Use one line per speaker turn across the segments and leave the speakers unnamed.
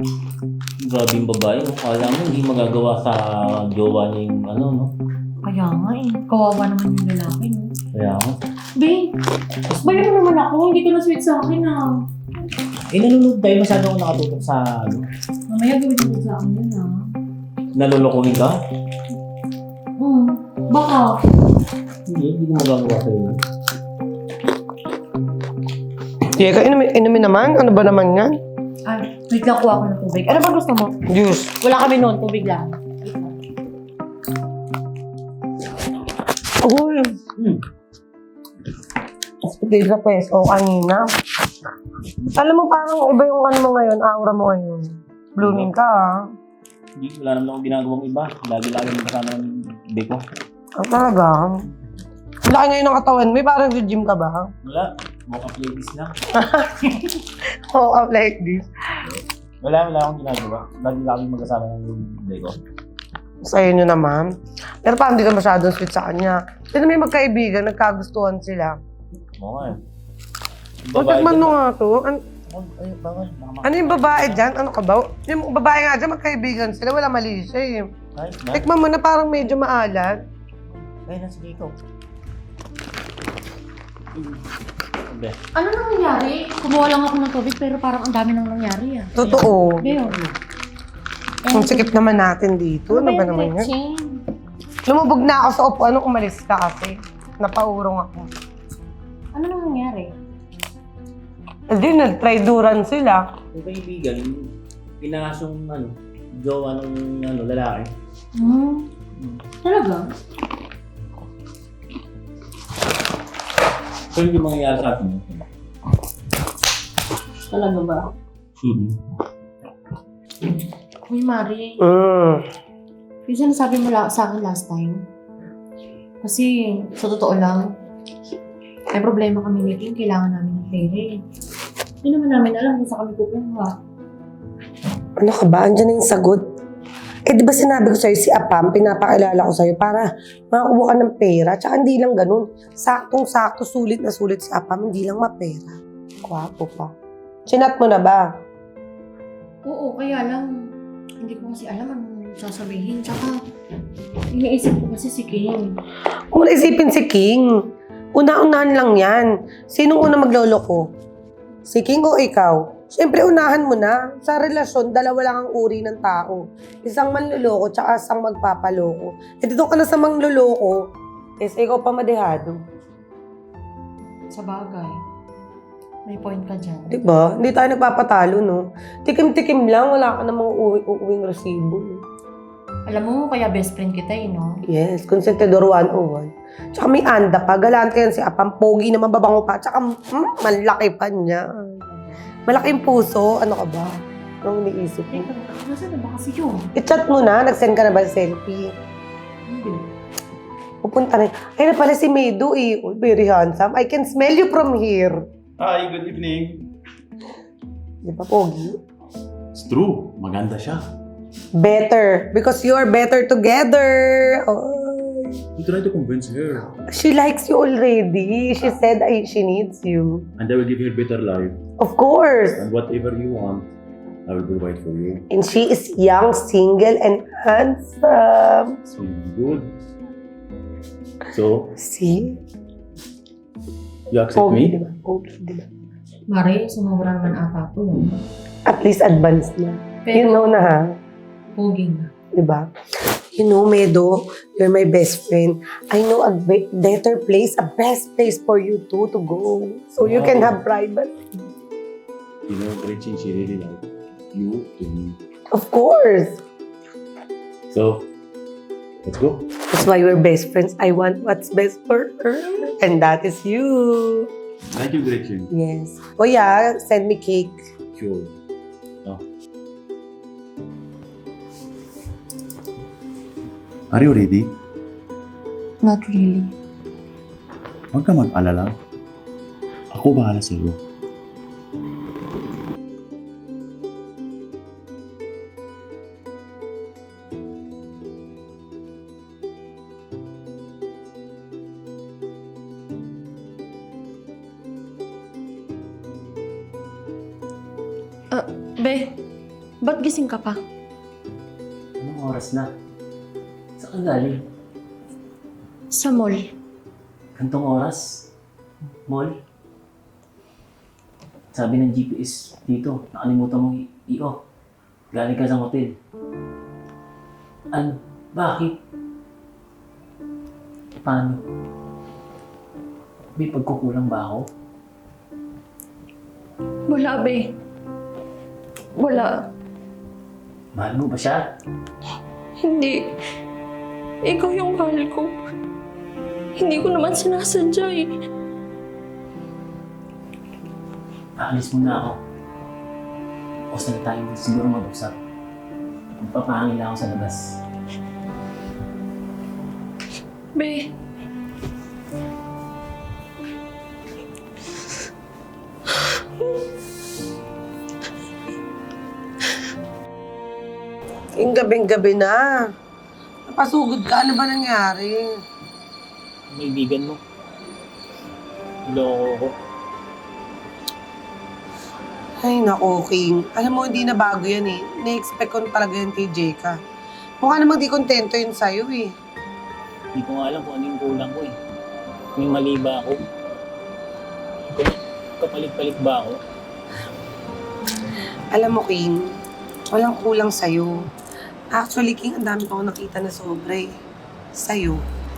Grabe yung babae, no? Kala mo hindi magagawa sa jowa niya yung ano, no?
Kaya nga eh. Kawawa naman yung lalaki, no?
Kaya nga.
Babe, bayan mo naman ako. Hindi ka na sweet sa akin, ah.
Nanonood tayo, masyado ako nakatutok sa ano.
Mamaya gawin mo sa akin yun, ah.
Nalolokohin ka?
Baka.
Hindi ko magagawa sa'yo.
Teka, inumin naman? Ano ba naman yan?
Ay, wait lang, kuha ko ng tubig. Ano ba gusto mo?
Juice.
Wala kami noon, tubig lang.
Uy. Hindi sa peso kanina. Alam mo, parang iba yung ano mo ngayon, aura mo ngayon. Blooming ka, ah.
Hindi, wala naman akong ginagawang iba. Lagi-lagi mo kasama ng beko.
Ang talaga. Laki ngayon ng katawan mo, parang gym ka ba?
Wala. Walk-up ladies lang.
Oh, up like this.
Wala akong ginagawa. Lagi-lagi magkasama ng beko.
Sa inyo naman. Pero parang hindi ka masyadong sweet sa kanya. Sino may magkaibigan, nagkagustuhan sila.
Oo nga eh.
O, tikman mo nga to.
Ay, bawal.
Ano yung babae dyan? Ano ka ba? Yung babae nga dyan, magkaibigan sila. Wala mali siya eh.
Ay, na.
Tikman mo na parang medyo maalat.
Ay, nasa dito. Sabi.
Ano nang nangyari? Kumuha lang ako ng tubig pero parang ang dami nang nangyari, ah.
Totoo.
Bayo.
Ang sikip naman natin dito. Ano ba naman yan?
Gretchen?
Lumubog na ako sa upuan nung umalis ka kasi. Napaurong ako.
Ano nang nangyari?
Hindi, nag-try-duran sila.
Yung kaibigan, pinasong ano, jowa ng ano, lalaki.
Talaga?
So, hindi mangyayari sa atin.
Talaga ba? Uy, Mari. Yung sinasabi mo sa akin last time. Kasi, sa totoo lang, may problema kami ni King. Kailangan namin ng pera eh. Hindi naman namin alam kung saan kami kukuha.
Ano ka ba? Andiyan na yung sagot. Eh, di ba sinabi ko sa'yo, si Apam, pinapakilala ko sa'yo para makakuha ka ng pera. Tsaka hindi lang ganun. Saktong-sakto, sulit na sulit si Apam, hindi lang mapera. Kwapo pa. Chinat mo na ba?
Oo, kaya lang, hindi ko kasi alam anong sasabihin. Tsaka, iniisip ko kasi si King.
Kung isipin si King, una-unahan lang yan. Sinong una magloloko? Si King o ikaw? Siyempre, unahan mo na. Sa relasyon, dalawa lang ang uri ng tao. Isang manloloko, tsaka isang magpapaloko. E dito ka na sa mangloloko, ikaw pa madehado.
Sa bagay. May point ka dyan.
Diba? Hindi tayo nagpapatalo, no? Tikim-tikim lang, wala ka namang uuwing resibo.
Alam mo, kaya best friend kita eh, no?
Yes, Consentidor 101. Tsaka may anda pa, galante yan si Apam, pogi naman, babango pa, tsaka malaki pa niya. Malaking puso, ano ka ba? Anong iniisip mo?
Teka, nasaan na ba kasi yun?
I-chat mo na, nag-send ka na ba ng selfie?
Hindi.
Pupunta rin. Ay na pala si Medu eh. Oh, very handsome. I can smell you from here.
Hi, good evening.
Di ba, pogi?
It's true, maganda siya.
Better. Because you're better together. Oh.
You try to convince her.
She likes you already. She said she needs you.
And I will give you a better life.
Of course.
And whatever you want, I will provide for you.
And she is young, single, and handsome.
It's really good. So,
See?
you accept
Pogi,
me?
di ba? Pogi, di ba?
Mari, sumobra naman ata to. No?
At least advanced na. You
Pero,
know na ha?
pogi na.
Di ba? You know, Medo, you're my best friend. I know a better place, a best place for you two to go. So you can have privacy.
You know, Gretchen, she really likes you to me.
Of course.
So, let's go.
That's why we're best friends. I want what's best for her. And that is you.
Thank you, Gretchen.
Yes. Oh yeah, send me cake.
Sure. Oh. Are you ready?
Not really.
Huwag ka mag-alala. Ako bahala sa'yo.
Be, Ba't gising ka pa?
Anong oras na? Saan ka galing?
Sa mall.
Gantong oras? Mall? Sabi ng GPS dito, nakalimutan mong i-off. Galing ka sa hotel. Ano? Bakit? Paano? May pagkukulang ba ako?
Wala, be. Wala.
Mahal mo ba siya?
Hindi. Ikaw yung mahal ko. Hindi ko naman sinasadya eh.
Aalis muna ako. Tapos na tayo siguro mag-usap. Magpapahangin lang ako sa labas.
Be.
King, gabing-gabi na. Napasugod ka. Ano ba nangyari?
Kaibigan mo. Loko ko.
Ay, naku, King. Alam mo, hindi na bago yan eh. Na-expect ko talaga yan kay Jeka. Mukha namang di kontento yun sa'yo eh.
Hindi ko nga alam kung ano yung kulang ko eh. May mali ba ako? Kapalit-palit ba ako?
Alam mo, King, walang kulang sa'yo. Actually, King, ang dami ko nakita na sobra eh. Sa'yo.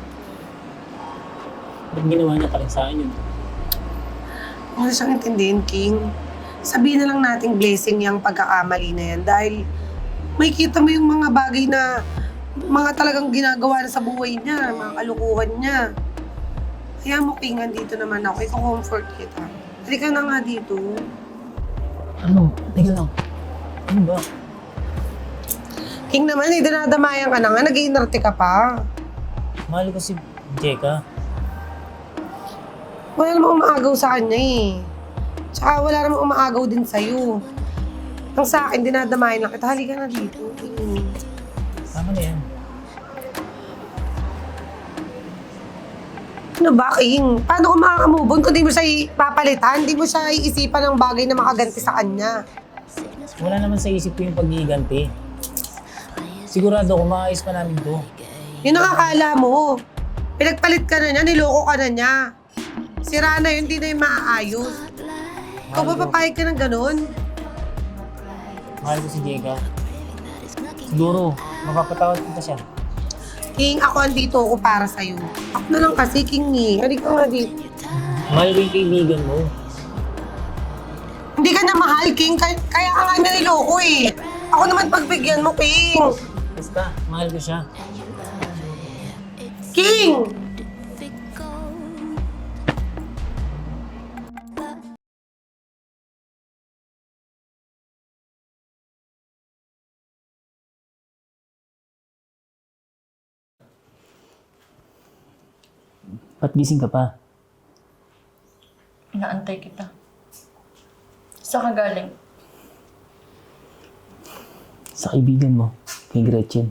Ba't ginawa niya pa rin sa akin yun?
Wala siyang intindihin, King. Sabihin na lang nating blessing yung pagkakamali na yan dahil may kita mo yung mga bagay na mga talagang ginagawa na sa buhay niya, mga kalukuhan niya. Kaya mo, King, andito naman ako. Iko-comfort kita. Halika na nga dito.
Ano? Teka lang. Ano ba?
King naman, dinadamayan ka na nga. Nag-iinarte ka pa.
Mahal ko si Jeka.
Wala namang umaagaw sa kanya eh. Tsaka wala namang umaagaw din sa'yo. Ang sa akin, dinadamayan lang kita. Halika na dito. King.
Tama na yan.
Ano ba, King? Paano ko makakamove on kung di mo siya papalitan? Di mo siya iisipan ng bagay na makaganti sa kanya.
Wala naman sa isip ko yung pag-iiganti. Sigurado ko maayos pa namin to.
Yun ang akala mo. Pinagpalit ka na niya, niloko ka na niya. Sira na yun, di na yung maaayos. Ikaw ba papayag ka ng ganun?
Mahal ko si Jeka. Siguro, mapapatawad kita siya.
King, ako andito ako para sa'yo. Ako na lang kasi, King eh. Halika nga dito.
Mahal ko yung kaibigan mo.
Hindi ka na mahal, King. Kaya ka nga na niloko eh. Ako naman pagbigyan mo, King.
Basta, mahal ko siya.
King!
Ba't gising ka pa?
Inaantay kita. Saan ka galing?
Sa kaibigan mo, kay Gretchen.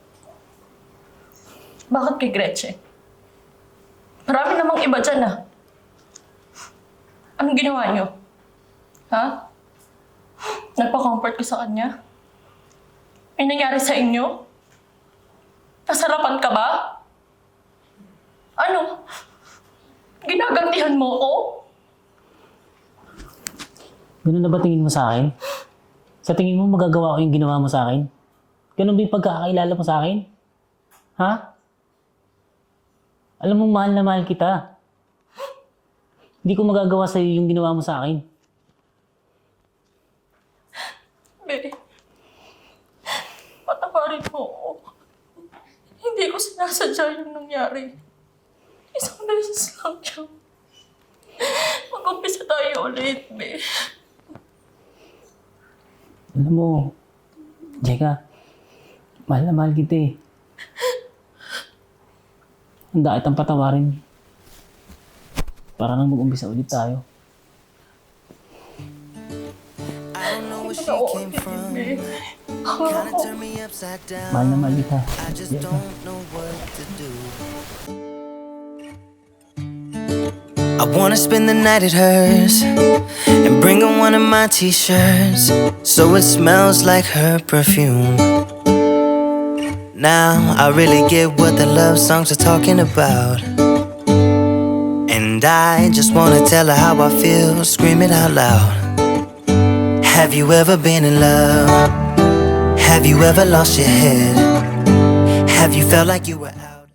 Bakit kay Gretchen? Marami namang iba dyan ah. Anong ginawa niyo? Ha? Nagpa-comfort ko sa kanya? May nangyari sa inyo? Nasarapan ka ba? Ano? Ginagantihan mo ko?
Ganun na ba tingin mo sa akin? Sa tingin mo magagawa ko yung ginawa mo sa akin? Ganun ba yung pagkakakilala mo sa akin? Ha? Alam mo, mahal na mahal kita. Hindi ko magagawa sa'yo yung ginawa mo sa akin.
Be, patawarin mo ako. Hindi ko sinasadya yung nangyari. Isang beses lang yan. Mag-umpisa tayo ulit, Be.
Alam mo, Jeka, mahal na mahal kita eh. Handa kitang patawarin. Para nang mag-umpisa ulit tayo.
I don't know where she came from. Kinda turned me upside down.
Mahal na mahal kita.
I just
Jeka.
don't know what to do. I wanna spend the night at hers and bring her one of my t-shirts so it smells like her perfume. Now I really get what the love songs are talking about, and I just wanna tell her how I feel, scream it out loud. Have you ever been in love? Have you ever lost your head? Have you felt like you were